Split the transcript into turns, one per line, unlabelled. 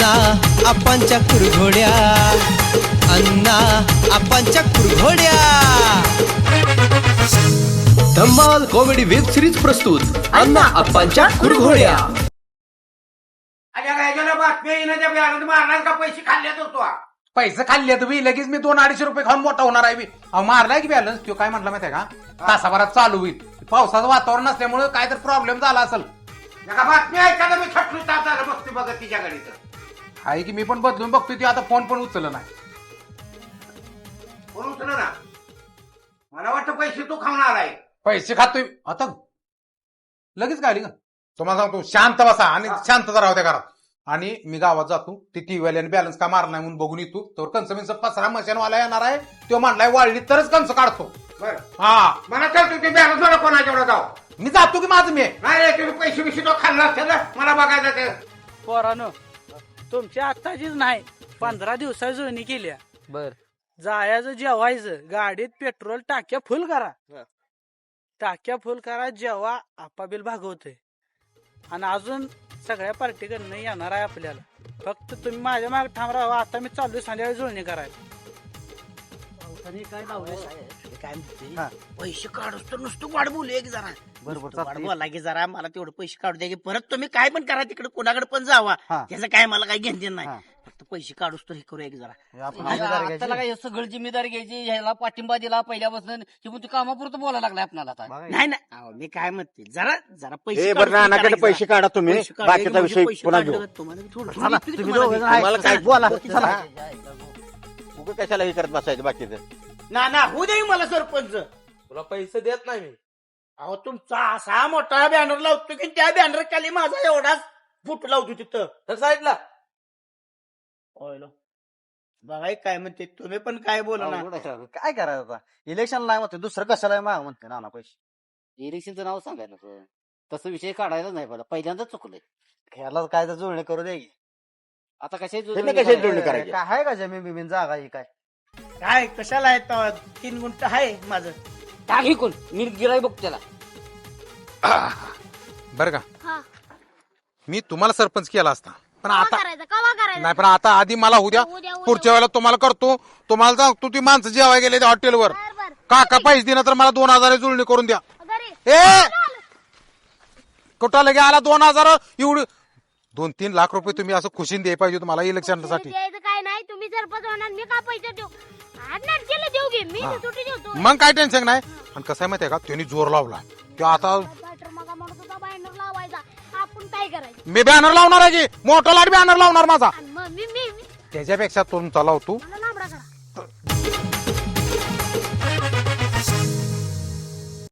अण्णा आपांच्या कुरघोड्या, अण्णा आपांच्या कुरघोड्या.
धम्माल कॉमेडी वेब सिरीज प्रस्तुत अण्णा आपांच्या कुरघोड्या.
मारणार का? पैसे खाल्ल्यात होतो.
पैसे खाल्ले तुम्ही लगेच मी 200-250 रुपये खाऊन मोठा होणार आहे मी. मारलाय की बॅलन्स. तो काय म्हटलं माहितीये का, तासाभरात चालू होईल. पावसाचं वातावरण नसल्यामुळे काय तर प्रॉब्लेम झाला असेल.
बातमी ऐका मी खटलू तासाला बघते बघा तिच्या गाडीचं
आहे की मी पण बदलून बघतोय. ती आता फोन पण उचलला नाही.
कोण उचल ना? मला वाटतं पैसे तू खाणार आहे.
पैसे खातोय आता लगेच काय का तुम्हाला सांगतो. शांत बसा आणि शांतता राहू त्या घरात. आणि मी गावात जातो. ती टीव्हीवाल्याने बॅलन्स का मारणार म्हणून बघून येतो. तर कंस पसरा मशीनवाला येणार आहे. तो म्हणलाय वाळली तरच कंस काढतो.
बरं
हा
मला तर तुम्ही बॅलन्स मला कोणाच्या एवढा जाऊ.
मी जातो की माझं मी.
नाही रे तुम्ही पैसे बिशे तो खाल्ला असेल ना, मला बघायचं ते.
पोरानो तुमची आत्ताचीच नाही 15 दिवसा जुळणी केल्या.
बर
जायचं जेवायचं, गाडीत पेट्रोल टाक्या फुल करा. टाक्या फुल करा जेव्हा आपा बिल भागवतोय. आणि अजून सगळ्या पार्टीकडनं येणार आहे आपल्याला. फक्त तुम्ही माझ्या मागे ठाम राहा. आता मी चाललोय संध्याकाळी जुळणी करायला. काय काय म्हणते, पैसे काढूस तर नुसतं वाढ बोलू एक जरा.
बरोबर
बोला की जरा मला तेवढं पैसे काढू द्या की परत तुम्ही काय पण करा तिकडे कोणाकडे पण जावा. त्याचं काय मला काही घेणं देणं नाही. फक्त पैसे काढूस तर हे करू एक जरा.
त्याला काय सगळं जिम्मेदारी घ्यायची. ह्याला पाठिंबा दिला पहिल्यापासून की मग तू कामापुरतं बोलायला लागलाय आपल्याला आता.
नाही नाही अहो, मी काय म्हणते जरा जरा पैसे
बरं नानाकडे पैसे काढा तुम्ही.
पैसे काढा,
बाकीचा
म्हणजे
विषय
पैसे
पुन्हा
काढले
घेऊ.
तर तुम्हाला मी थोडं-
चला,
थोडी
तुम्ही
तुम्हाला
दोघं
देतो.
मला काय बोला.
चला.
उगा कशाला हे करत बसायचं बाकीचं.
ना ना होऊ दे मला सरपंच.
तुला पैसे देत नाही मी.
अहो तुमचा असा मोठा बॅनर लावतो की त्या बॅनर खाली माझा एवढाच फुट लावतो तिथं.
तर साईडला
बघा काय म्हणते तुम्ही पण काय बोला ना.
काय करायचं आता? इलेक्शन नाही म्हणते, दुसरं कशाला माग म्हणते नाना पैसे.
इलेक्शनचं नाव सांगायला तसं विषय काढायला नाही मला. पहिल्यांदाच चुकलंय.
ह्याला काय तर जुळणी करू दे की.
आता
त्यांनी कशाची जुळणी करायची?
काय आहे का जमीन बिमीन जागा ही काय?
काय कशाला आहे तेव्हा? 3 गुंठ आहे माझं.
टाक कोण मी गिराय बघ त्याला.
बरं का मी तुम्हाला सरपंच केला असता पण आता
करायचं
नाही. पण आता आधी मला उद्या पुढच्या वेळेला तुम्हाला करतो. तुम्हाला सांगतो ती माणसं जेवाय गेले त्या हॉटेलवर. काका पैसे दिना तर मला 2000 जुळणी करून द्या. ए कुठं लगे आला 2000 एवढी 2-3 लाख रुपये तुम्ही असं खुशीन द्याय पाहिजे तुम्हाला इलेक्शनसाठी.
काय नाही तुम्ही सरपंच होणार मी का पैसे देऊ? केलं देऊ घे मी सुट्टी देतो.
मग काय टेन्शन नाही. आणि कसं आहे माहितीये का त्यांनी जोर लावला तो आता.
मग म्हणत होता बॅनर लावायचा. आपण काय करायचं?
मी बॅनर लावणार आहे की मोठा लाट बॅनर लावणार माझा.
आणि मग मी
त्याच्यापेक्षा तुमचा लावतो
मला लांबडा करा.